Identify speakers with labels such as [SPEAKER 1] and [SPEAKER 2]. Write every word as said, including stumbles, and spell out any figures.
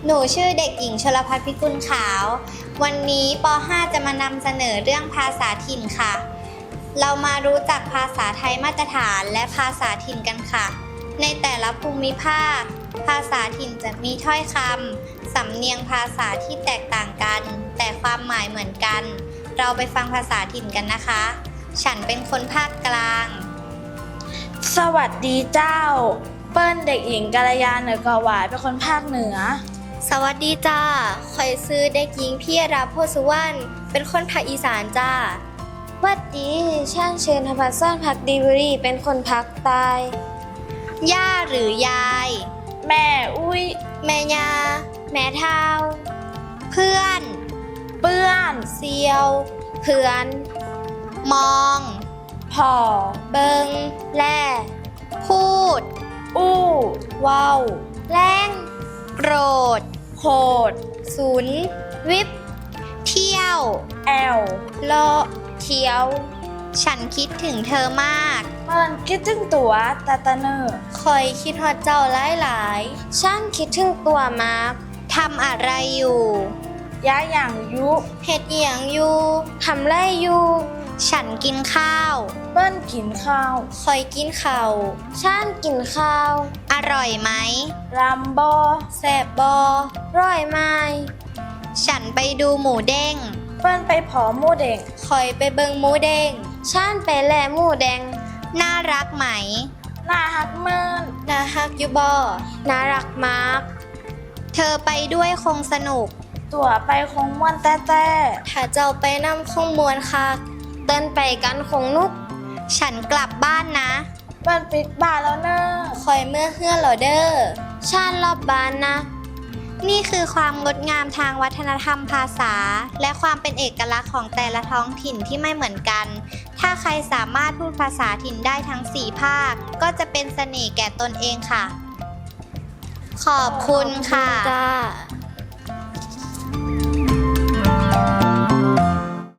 [SPEAKER 1] หนูชื่อเด็กหญิงชลภัทรพิกุลขาววันนี้ป ห้า จะมานำเสนอเรื่องภาษาถิ่นค่ะเรามารู้จักภาษาไทยมาตรฐานและภาษาถิ่นกันค่ะในแต่ละภูมิภาคภาษาถิ่นจะมีถ้อยคำสำเนียงภาษาที่แตกต่างกันแต่ความหมายเหมือนกันเราไปฟังภาษาถิ่นกันนะคะฉันเป็นคนภาคกลาง
[SPEAKER 2] สวัสดีเจ้าเปิ้ลเด็กหญิงกัลยาเหนือกหวายเป็นคนภาคเหนือ
[SPEAKER 1] สวัสดีจ้าคอยซื้อเด็กหญิงพี่ราโพสุวรรณเป็นคนภาคอีสานจ้า
[SPEAKER 2] วัดดีช่างเชิญธรรมซ่อนพักดีบุรีเป็นคนภาคใต้
[SPEAKER 1] ย่าหรือยาย
[SPEAKER 2] แม่อุ้ย
[SPEAKER 1] แม่ยา
[SPEAKER 2] แม่เท้า
[SPEAKER 1] เพื่อน
[SPEAKER 2] เปื้อน
[SPEAKER 1] เซียว
[SPEAKER 2] เพื่อน
[SPEAKER 1] มอง
[SPEAKER 2] พ่อ
[SPEAKER 1] เบิง
[SPEAKER 2] แล่
[SPEAKER 1] พูด
[SPEAKER 2] อู้
[SPEAKER 1] ว้าวแรงโกรธ
[SPEAKER 2] โคด
[SPEAKER 1] ศูนย์วิบเที่ยว
[SPEAKER 2] แอล
[SPEAKER 1] โลเที่ยวฉันคิดถึงเธอมาก
[SPEAKER 2] เปิ้ลคิดถึงตัวตาตาเนอร์
[SPEAKER 1] คอยคิดฮอดเจ้าหลายหลาย
[SPEAKER 2] ฉันคิดถึงตัวมาก
[SPEAKER 1] ทำอะไรอยู่
[SPEAKER 2] ย้ายอย่างยุ
[SPEAKER 1] เฮ็ดเหียงอยู่
[SPEAKER 2] ทำไรอยู่
[SPEAKER 1] ฉันกินข้าว
[SPEAKER 2] เปิ้ลกินข้าว
[SPEAKER 1] คอยกินข้าว
[SPEAKER 2] ฉันกินข้าว
[SPEAKER 1] อร่อยไหม
[SPEAKER 2] รำบอ
[SPEAKER 1] แซ่บบอ
[SPEAKER 2] ร่อยไหม
[SPEAKER 1] ฉันไปดูหมูเด้ง
[SPEAKER 2] เปิ้ลไปผอหมูเด้ง
[SPEAKER 1] คอยไปเบิงหมูเด้ง
[SPEAKER 2] ฉันไปแลหมูแดง
[SPEAKER 1] น่ารักไหม
[SPEAKER 2] น่าฮักเมิน
[SPEAKER 1] น่าฮักอยู่บอ
[SPEAKER 2] น่ารักมาก
[SPEAKER 1] เธอไปด้วยคงสนุก
[SPEAKER 2] ตัวไปคงม่วนแต่แต่
[SPEAKER 1] ถ้าเจ้าไปนำคงมวนคัก
[SPEAKER 2] เต้นไปกันคงนุก
[SPEAKER 1] ฉันกลับบ้านนะ
[SPEAKER 2] บ้านปิดบ้านแล้วเนอะ
[SPEAKER 1] คอยเมื่อเฮือเหรอเด้อ
[SPEAKER 2] ฉันรอบบ้านนะ
[SPEAKER 1] นี่คือความงดงามทางวัฒนธรรมภาษาและความเป็นเอกลักษณ์ของแต่ละท้องถิ่นที่ไม่เหมือนกันถ้าใครสามารถพูดภาษาถิ่นได้ทั้งสี่ภาคก็จะเป็นเสน่ห์แก่ตนเองค่ะขอบคุณค่ะ